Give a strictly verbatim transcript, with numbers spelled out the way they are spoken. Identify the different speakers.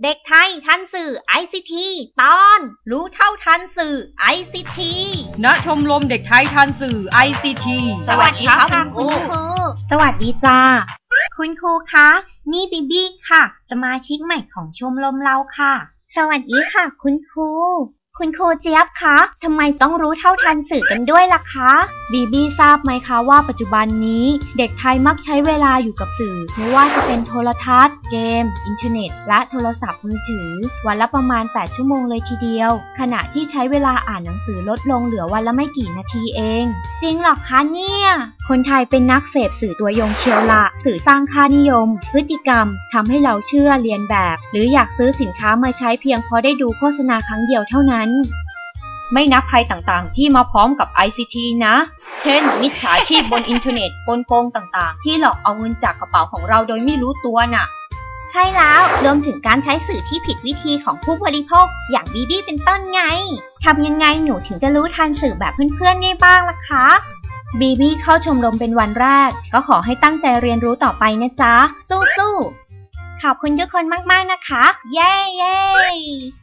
Speaker 1: เด็กไทยทันสื่อ ไอ ซี ที ตอน รู้เท่าทันสื่อ ไอ ซี ที
Speaker 2: ณ ชมรมเด็กไทยทันสื่อ ไอ ซี ที
Speaker 1: สวัสดีครับคุณครูสวัสดีจ้าคุณครูคะนี่บีบี้ค่ะสมาชิกใหม่ของชมรมเราค่ะสวัสดีค่ะคุณครูคุณครูเจี๊ยบคะทำไมต้องรู้เท่าทันสื่อกันด้วยล่ะคะบีบี้ทราบไหมคะว่าปัจจุบันนี้เด็กไทยมักใช้เวลาอยู่กับสื่อไม่ว่าจะเป็นโทรทัศน์เกมอินเทอร์เน็ตและโทรศัพท์มือถือวันละประมาณแปดชั่วโมงเลยทีเดียวขณะที่ใช้เวลาอ่านหนังสือลดลงเหลือวันละไม่กี่นาทีเองจริงหรอคะเนี่ยคนไทยเป็นนักเสพสื่อตัวยงเชียวละสื่อสร้างค่านิยมพฤติกรรมทำให้เราเชื่อเรียนแบบหรืออยากซื้อสินค้ามาใช้เพียงเพราะได้ดูโฆษณาครั้งเดียวเท่านั้นไม่นับภัยต่างๆที่มาพร้อมกับ ไอ ซี ที นะเช่นมิจฉาชีพบนอินเทอร์เน็ตกลโกงต่างๆที่หลอกเอาเงินจากกระเป๋าของเราโดยไม่รู้ตัวน่ะใช่แล้วรวมถึงการใช้สื่อที่ผิดวิธีของผู้บริโภคอย่างบีบี้เป็นต้นไงทำยังไงหนูถึงจะรู้ทันสื่อแบบเพื่อนๆได้บ้างล่ะคะบีบี้เข้าชมรมเป็นวันแรกก็ขอให้ตั้งใจเรียนรู้ต่อไปนะจ๊ะสู้ๆขอบคุณทุกคนมากๆนะคะเย้เย้